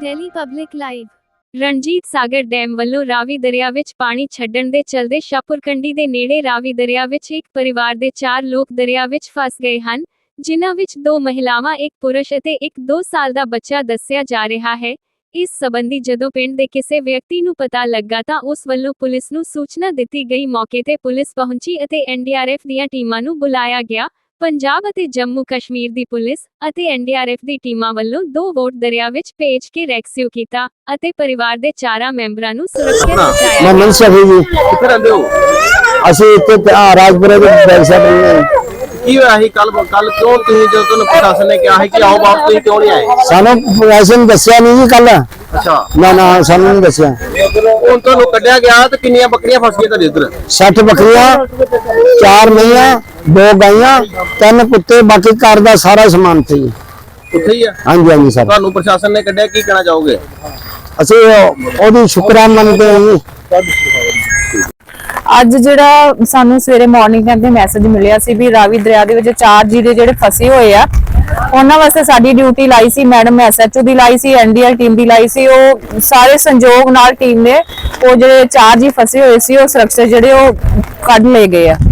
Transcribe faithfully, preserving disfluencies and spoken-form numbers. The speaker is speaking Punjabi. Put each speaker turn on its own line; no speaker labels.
Delhi public live.
Ranjit Sagar dam ਵੱਲੋਂ ਰਾਵੀ ਦਰਿਆ ਵਿੱਚ ਪਾਣੀ ਛੱਡਣ ਦੇ ਚਲਦੇ ਸ਼ਾਹਪੁਰਕੰਡੀ ਦੇ ਨੇੜੇ ਰਾਵੀ ਦਰਿਆ ਵਿੱਚ ਇੱਕ ਪਰਿਵਾਰ ਦੇ ਚਾਰ ਲੋਕ ਦਰਿਆ ਵਿੱਚ ਫਸ ਗਏ ਹਨ, ਜਿਨ੍ਹਾਂ ਵਿੱਚ ਦੋ ਮਹਿਲਾਵਾਂ, ਇੱਕ ਪੁਰਸ਼ ਅਤੇ ਇੱਕ ਦੋ ਸਾਲ ਦਾ ਬੱਚਾ ਦੱਸਿਆ ਜਾ ਰਿਹਾ ਹੈ। ਇਸ ਸੰਬੰਧੀ ਜਦੋਂ ਪਿੰਡ ਦੇ ਕਿਸੇ ਵਿਅਕਤੀ ਨੂੰ ਪਤਾ ਲੱਗਾ ਤਾਂ ਉਸ ਵੱਲੋਂ ਪੁਲਿਸ ਨੂੰ ਸੂਚਨਾ ਦਿੱਤੀ ਗਈ। ਮੌਕੇ ਤੇ ਪੁਲਿਸ ਪਹੁੰਚੀ ਅਤੇ ਐਨ ਡੀ ਆਰ ਐਫ ਦੀਆਂ ਟੀਮਾਂ ਨੂੰ ਬੁਲਾਇਆ ਗਿਆ। ਪੰਜਾਬ ਅਤੇ ਜੰਮੂ ਕਸ਼ਮੀਰ ਦੀ ਪੁਲਿਸ ਅਤੇ ਐਨ ਡੀ ਆਰ ਐਫ ਦੀ ਟੀਮਾਂ ਵੱਲੋਂ ਦੋ ਵੋਟ ਦਰਿਆ ਵਿੱਚ ਭੇਜ ਕੇ ਰੈਸਕਿਊ ਕੀਤਾ ਅਤੇ ਪਰਿਵਾਰ ਦੇ ਚਾਰਾਂ ਮੈਂਬਰਾਂ ਨੂੰ ਸੁਰੱਖਿਅਤ ਪਹੁੰਚਾਇਆ।
ਮਨਨ ਸ਼ਫੀ ਜੀ,
ਕਿੱਥੇ ਰਹਿੰਦੇ ਹੋ?
ਅਸੀਂ ਇੱਥੇ ਰਾਜਪੁਰੇ ਦੇ ਬੈਕ ਸਾਈਡ ਰਹਿੰਦੇ ਹਾਂ।
ਕੀ ਹੋਇਆ ਸੀ ਕੱਲ ਕੱਲ ਕਿਉਂ ਤੁਸੀਂ ਜਦੋਂ ਤੁਹਾਨੂੰ ਪ੍ਰਸ਼ਾਸਨ ਨੇ ਕਿਹਾ ਹੈ ਕਿ ਆਓ ਵਾਪਸ, ਤੁਸੀਂ ਕਿਉਂ ਨਹੀਂ ਆਏ?
ਸਾਨੂੰ ਪ੍ਰਸ਼ਾਸਨ ਦੱਸਿਆ ਨਹੀਂ ਜੀ ਕੱਲ।
ਅੱਛਾ,
ਨਾ ਨਾ ਸਾਨੂੰ ਨਹੀਂ ਦੱਸਿਆ।
ਹੁਣ ਤੁਹਾਨੂੰ ਕੱਢਿਆ ਗਿਆ ਤੇ ਕਿੰਨੀਆਂ ਬੱਕਰੀਆਂ ਫਸ ਗਈਆਂ ਤੁਹਾਡੇ ਇੱਧਰ?
ਸੱਠ ਬੱਕਰੀਆਂ, ਚਾਰ ਮਈਆਂ, ਦੋ ਗਾਈਆਂ, ਤਿੰਨ ਕੁੱਤੇ, ਬਾਕੀ ਘਰ ਦਾ ਸਾਰਾ ਸਮਾਨ ਸੀ।
ਉੱਥੇ ਹੀ ਆ?
ਹਾਂਜੀ ਹਾਂਜੀ ਸਰ।
ਤੁਹਾਨੂੰ ਪ੍ਰਸ਼ਾਸਨ ਨੇ ਕੱਢਿਆ, ਕੀ ਕਹਿਣਾ ਚਾਹੋਗੇ?
ਅਸੀਂ ਉਹਦੀ ਸ਼ੁਕਰਾਨਾ ਮੰਨਦੇ ਹਾਂ ਜੀ।
ਅੱਜ ਜਿਹੜਾ ਸਾਨੂੰ ਸਵੇਰੇ ਮਾਰਨਿੰਗ ਟਾਈਮ ਤੇ ਮੈਸੇਜ ਮਿਲਿਆ ਸੀ ਵੀ ਰਾਵੀ ਦਰਿਆ ਦੇ ਵਿੱਚ ਚਾਰ ਜੀਰੇ ਜਿਹੜੇ ਫਸੇ ਹੋਏ ਆ, ਉਹਨਾਂ ਵਾਸਤੇ ਸਾਡੀ ਡਿਊਟੀ ਲਾਈ ਸੀ, ਮੈਡਮ ਐਸ ਐਚ ਓ ਦੀ ਲਾਈ ਸੀ, ਐਨ ਡੀ ਆਰ ਟੀਮ ਦੀ ਲਾਈ ਸੀ। ਉਹ ਸਾਰੇ ਸੰਯੋਗ ਨਾਲ ਟੀਮ ਨੇ ਉਹ ਜਿਹੜੇ ਚਾਰ ਜੀ ਫਸੇ ਹੋਏ ਸੀ ਉਹ ਸੁਰੱਖਿਅਤ ਜਿਹੜੇ ਉਹ ਕੱਢ ਲਏ ਗਏ ਆ।